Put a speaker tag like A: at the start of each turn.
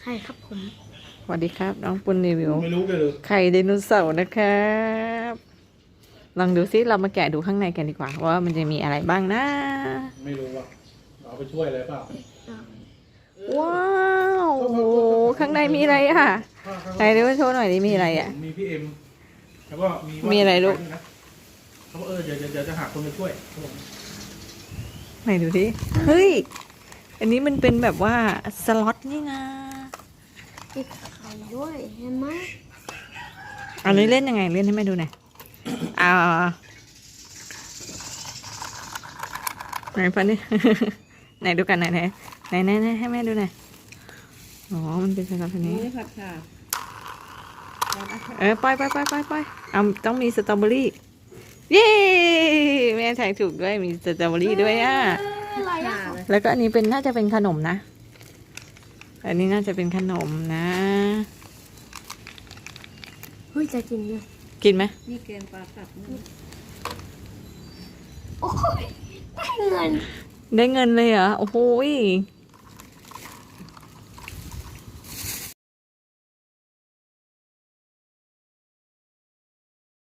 A: ใช่ครับผม
B: สวัสดีครับน้องปุณรีวิว
C: ไม่รู้กันเลย
B: ไข่ไดโนเสาร์นะครับลองดูซิเรามาแกะดูข้างในกันดีกว่าว่ามันจะมีอะไรบ้างนะ
C: ไม่รู้ว่าเอาไปช่วยอะไรเปล่า
B: ว้าวโอ้โหข้างในมีอะไรอ่ะไหนดูมาโชว์หน่อยดิมีอะไรอ่ะ
C: มีพี่เอ็มแล้วก็
B: มีอะไรลูก
C: เขาบอกเดี๋ยวจะหาคนมาช่วยครับผม
B: ไหนดูดิเฮ้ยอันนี้มันเป็นแบบว่าสล็อตนี่นะ
A: ติดไข่ด้วยเห็นไหม
B: อันนี้เล่นยังไงเล่นให้แม่ดูหน่อยอ่าไหนฟันนี่ ไหนดูกันไหนไหนให้แม่ดูหน่อยอ๋อมันเป็นสล็อตอันนี้
D: นี่ผัดค่ะ
B: ไปเอาต้องมีสตรอเบอรี่เย้แม่ถ่ายถูกด้วยมีสตรอเบอรี่ด้วยอ่ะ
A: อะไรอ่ะ
B: แล้วก็อันนี้เป็นน่าจะเป็นขนมนะอันนี้น่าจะเป็นขนมนะ
A: เฮ้ยจะกินเลย
B: กินไหม
D: นี่แกงปลาตับนี่
A: โอ้ยได้เงิน
B: ได้เงินเลยเหรอโอ้โห